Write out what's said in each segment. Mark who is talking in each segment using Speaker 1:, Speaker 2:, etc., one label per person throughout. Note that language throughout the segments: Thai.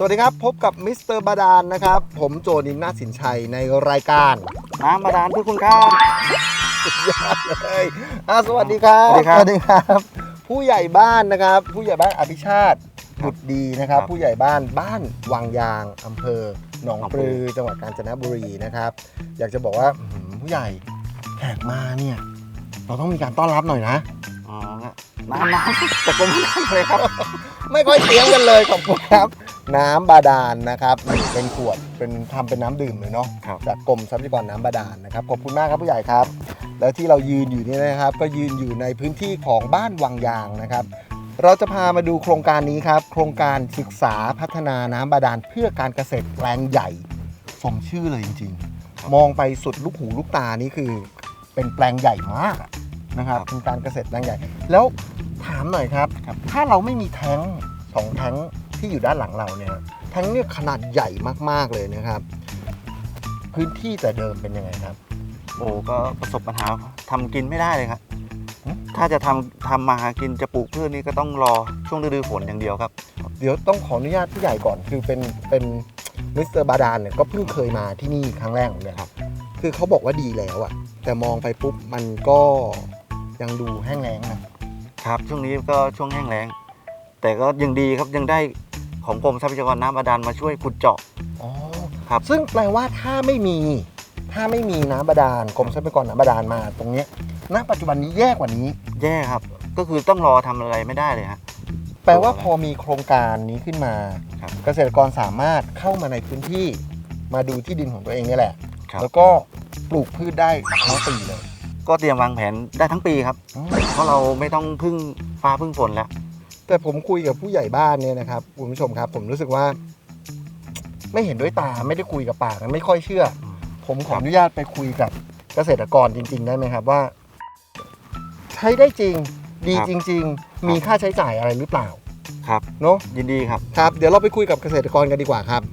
Speaker 1: วัสดีครับพบกับมิสเตอร์บาดาลนะครับผมโจนินนาถสินชัยในรายการ
Speaker 2: น้ำบาดาลเพื่อคุณครับ
Speaker 1: สุดยอดเลยสวัสดีครับสวัสดีครับผู้ใหญ่บ้านนะครับผู้ใหญ่บ้านอภิชาติบุตรดีนะครับผู้ใหญ่บ้านวังยางอำเภอหนองปลือจังหวัดกาญจนบุรีนะครับอยากจะบอกว่าผู้ใหญ่แขกมาเนี่ยเราต้องมีการต้อนรับหน่อยนะ
Speaker 2: น้ำแต่ก็ไม่ได้เลยครับ
Speaker 1: ไม่ค่อยเตรียมกันเลยขอบคุณครับน้ำบาดาลนะครับเป็นขวดทำเป็นน้ำดื่มเลยเนาะจากกรมทรัพยากรน้ำบาดาลนะครับขอบคุณมากครับผู้ใหญ่ครับแล้วที่เรายืนอยู่นี่นะครับก็ยืนอยู่ในพื้นที่ของบ้านวังยางนะครับเราจะพามาดูโครงการนี้ครับโครงการศึกษาพัฒนาน้ำบาดาลเพื่อการเกษตรแปลงใหญ่สมชื่อเลยจริงๆมองไปสุดลูกหูลูกตานี่คือเป็นแปลงใหญ่มากนะครับเป็นการเกษตรแปลงใหญ่แล้วถามหน่อยครับถ้าเราไม่มีแท้ง2แท้งที่อยู่ด้านหลังเราเนี่ยแท้งเนี่ยขนาดใหญ่มากๆเลยนะครับพื้นที่แต่เดิมเป็นยังไงครับ
Speaker 2: โอ้ก็ประสบปัญหาทำกินไม่ได้เลยครับถ้าจะทำมาหากินจะปลูกพืชนี่ก็ต้องรอช่วงฤดูฝนอย่างเดียวครับ
Speaker 1: เดี๋ยวต้องขออนุญาตผู้ใหญ่ก่อนคือเป็นมิสเตอร์บาดาลเนี่ยก็เพิ่งเคยมาที่นี่ครั้งแรกเลยครับคือเขาบอกว่าดีแล้วอะแต่มองไปปุ๊บมันก็ยังดูแห้งแล้ง
Speaker 2: นะครับช่วงนี้ก็ช่วงแห้งแล้งแต่ก็ยังดีครับยังได้ของกรมทรัพยากรน้ำบาดาลมาช่วยขุดเจาะ
Speaker 1: ครับซึ่งแปลว่าถ้าไม่มีน้ำบาดาลกรมทรัพยากรน้ำบาดาลมาตรงนี้ณปัจจุบันนี้แย่กว่านี้
Speaker 2: แย่ครับก็คือต้องรอทำอะไรไม่ได้เลยฮะ
Speaker 1: แปลว่าพอมีโครงการนี้ขึ้นมาเกษตรกรสามารถเข้ามาในพื้นที่มาดูที่ดินของตัวเองนี่แหละแล้วก็ปลูกพืชได้ทั้งปีเลย
Speaker 2: ก็เตรียมวางแผนได้ทั้งปีครับเพราะเราไม่ต้องพึ่งฟ้าพึ่งฝนแล้ว
Speaker 1: แต่ผมคุยกับผู้ใหญ่บ้านเนี่ยนะครับคุณผู้ชมครับผมรู้สึกว่าไม่เห็นด้วยตาไม่ได้คุยกับปากไม่ค่อยเชื่อผมขออนุญาตไปคุยกับเกษตรกรจริงๆได้ไหมครับว่าใช้ได้จริงดีจริงๆมีค่าใช้จ่ายอะไรหรือเปล่า
Speaker 2: ครับ
Speaker 1: เนาะ
Speaker 2: ยินดีครับ
Speaker 1: ครับเดี๋ยวเราไปคุยกับเกษตรกรกันดีกว่าครับ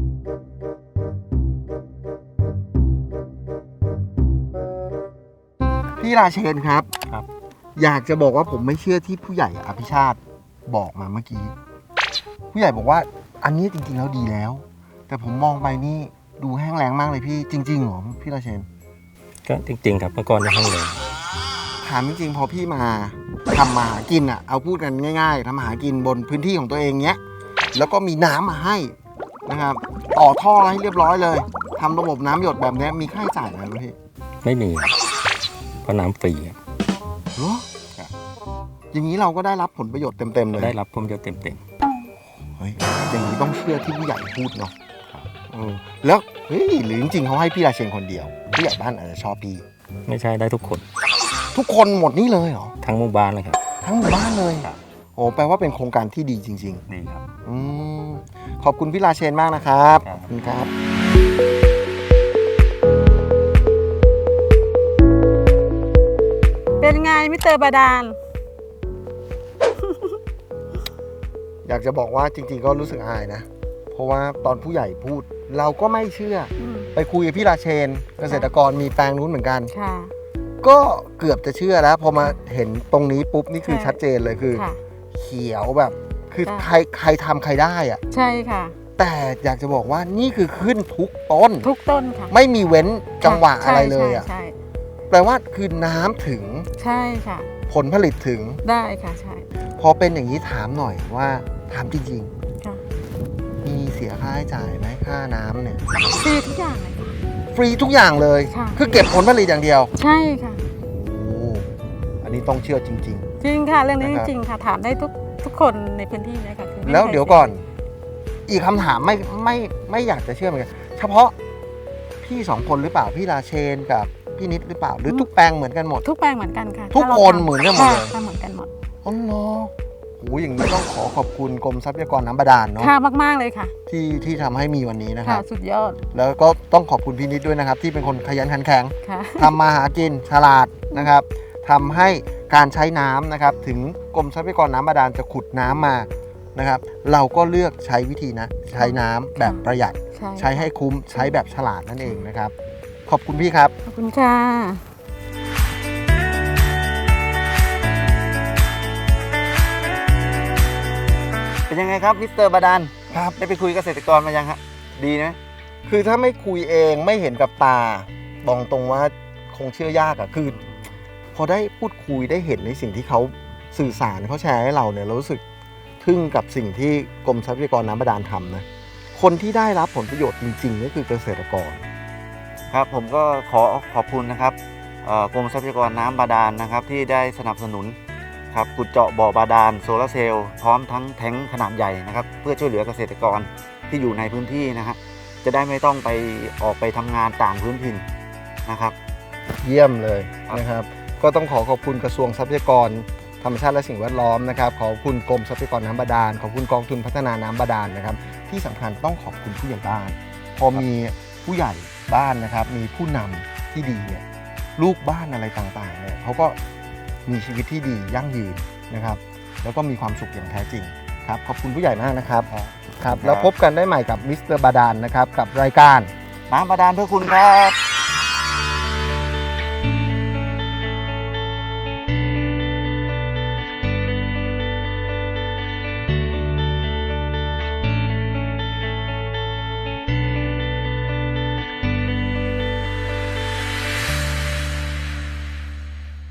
Speaker 1: พี่ราเชนครับอยากจะบอกว่าผมไม่เชื่อที่ผู้ใหญ่อภิชาติบอกมาเมื่อกี้ผู้ใหญ่บอกว่าอันนี้จริงๆแล้วดีแล้วแต่ผมมองไปนี่ดูแห้งแล้งมากเลยพี่จริงๆเหรอพี่ราเชน
Speaker 3: ก็จริงๆครับเมื่อก่อนจะแห้งแล้ง
Speaker 1: ถามจริงๆพอพี่มาทำมาหากินอ่ะเอาพูดกันง่ายๆทำมาหากินบนพื้นที่ของตัวเองเนี้ยแล้วก็มีน้ำมาให้นะครับต่อท่อให้เรียบร้อยเลยทำระบบน้ำหยดแบบนี้มีค่าใช้จ่ายไหมพี่
Speaker 3: ไม่มีเพราะน้ำฟรี
Speaker 1: เหรออย่างนี้เราก็ได้รับผลประโยชน์เต็มๆเลย
Speaker 3: ได้รับผลประโยชน์เต็ม
Speaker 1: ๆเฮ้ยอย่างนี้ต้องเชื่อที่ผู้ใหญ่พูดเนาะแล้วเฮ้ยหรือจริงๆเขาให้พี่ราเชนคนเดียวผู้ใหญ่บ้านอาจจะชอบพี่
Speaker 3: ไม่ใช่ได้ทุกคน
Speaker 1: หมดนี่เลยเหรอ
Speaker 3: ทั้งหมู่บ้านเลยครับ
Speaker 1: ทั้งหมู่บ้านเลยโอ้แปลว่าเป็นโครงการที่ดีจริง
Speaker 2: ๆดีครับ
Speaker 1: ขอบคุณพี่ราเชนมากนะครับขอบคุณครับ
Speaker 4: เป็นไงมิสเตอร์บาดาล
Speaker 1: อยากจะบอกว่าจริงๆก็รู้สึกอายนะเพราะว่าตอนผู้ใหญ่พูดเราก็ไม่เชื่อไปคุยกับพี่ราเชนเกษตรกรมีแปลงนู้นเหมือนกันก็เกือบจะเชื่อแล้วพอมาเห็นตรงนี้ปุ๊บนี่คือชัดเจนเลยคือเขียวแบบคือใครทำใครได้อะ
Speaker 4: ใช่ค่ะ
Speaker 1: แต่อยากจะบอกว่านี่คือขึ้นทุกต้น
Speaker 4: ค่ะ
Speaker 1: ไม่มีเว้นจังหวะอะไรเลยอ่ะแปลว่าคือน้ำถึง
Speaker 4: ใช่ค่ะ
Speaker 1: ผลผลิตถึง
Speaker 4: ได้ค่ะใช่
Speaker 1: พอเป็นอย่างนี้ถามหน่อยว่าถามจริงๆมีเสียค่าใช้จ่ายไหมค่าน้ำเนี่ย
Speaker 4: ฟรีทุกอย่างเลย
Speaker 1: ฟรีทุกอย่างเลยคือเก็บผลผลิตอย่างเดียว
Speaker 4: ใช่ค่ะ
Speaker 1: โอ้อันนี้ต้องเชื่อจริง
Speaker 4: จริงค่ะเรื่องนี้จริงค่ะถามได้ทุกคนในพื้นที่นี้ค่ะ
Speaker 1: แล้วเดี๋ยวก่อนอีกคำถามไม่อยากจะเชื่อเหมือนกันเฉพาะพี่2คนหรือเปล่าพี่ราเชนกับพี่นิดหรือเปล่าหรือทุกแปลงเหมือนกันหมด
Speaker 4: ทุกแปลงเหมือนกันค่ะ
Speaker 1: ทุกคนเหมือนกันหมดเลย
Speaker 4: เหมือนกันหมด
Speaker 1: อ๋อเนาะโอ้อย่างนี้ต้องขอบคุณกรมทรัพยากรน้ำบาดาลเนาะ
Speaker 4: ค่ะมากๆเลยค่ะ
Speaker 1: ที่ทำให้มีวันนี้นะครับ
Speaker 4: สุดยอด
Speaker 1: แล้วก็ต้องขอบคุณพี่นิดด้วยนะครับที่เป็นคนขยันขันแข็งทำมาหากินฉลาดนะครับทำให้การใช้น้ำนะครับถึงกรมทรัพยากรน้ำบาดาลจะขุดน้ำมานะครับเราก็เลือกใช้วิธีนะใช้น้ำแบบประหยัดใช้ให้คุ้มใช้แบบฉลาดนั่นเองนะครับขอบคุณพี่ครับ
Speaker 4: ขอบคุณค่ะ
Speaker 2: เป็นยังไงครับมิสเตอร์บาดาล
Speaker 1: ครับ
Speaker 2: ได้ไปคุยเกษตรกรมายังฮะดีไหม
Speaker 1: คือถ้าไม่คุยเองไม่เห็นกับตาบอกตรงว่าคงเชื่อยากอะคือพอได้พูดคุยได้เห็นในสิ่งที่เขาสื่อสารเขาแชร์ให้เราเนี่ยเรารู้สึกทึ่งกับสิ่งที่กรมทรัพยากรน้ำบาดาลทำนะคนที่ได้รับผลประโยชน์จริงๆก็คือเกษตรกร
Speaker 2: ครับผมก็ขอบคุณนะครับกรมทรัพยากรน้ำบาดาลนะครับที่ได้สนับสนุนครับขุดเจาะบ่อบาดาลโซลาร์เซลล์พร้อมทั้งแท้งขนาดใหญ่นะครับเพื่อช่วยเหลือเกษตรกรที่อยู่ในพื้นที่นะฮะจะได้ไม่ต้องไปออกไปทำงานต่างพื้นถิ่นนะครับ
Speaker 1: เยี่ยมเลย
Speaker 2: ครับ
Speaker 1: นะครับ ก็ต้องขอบคุณกระทรวงทรัพยากรธรรมชาติและสิ่งแวดล้อมนะครับขอบคุณกรมทรัพยากรน้ำบาดาลขอบคุณกองทุนพัฒนาน้ำบาดาลนะครับที่สำคัญต้องขอบคุณผู้ใหญ่บ้านพอมีผู้ใหญ่บ้านนะครับมีผู้นำที่ดีเนี่ยลูกบ้านอะไรต่างๆเนี่ยเขาก็มีชีวิตที่ดียั่งยืนนะครับแล้วก็มีความสุขอย่างแท้จริงครับขอบคุณผู้ใหญ่มากนะครับครับแล้วพบกันได้ใหม่กับมิสเตอร์บาดาลนะครับกับรายการ
Speaker 2: น้ำบาดาลเพื่อคุณครับ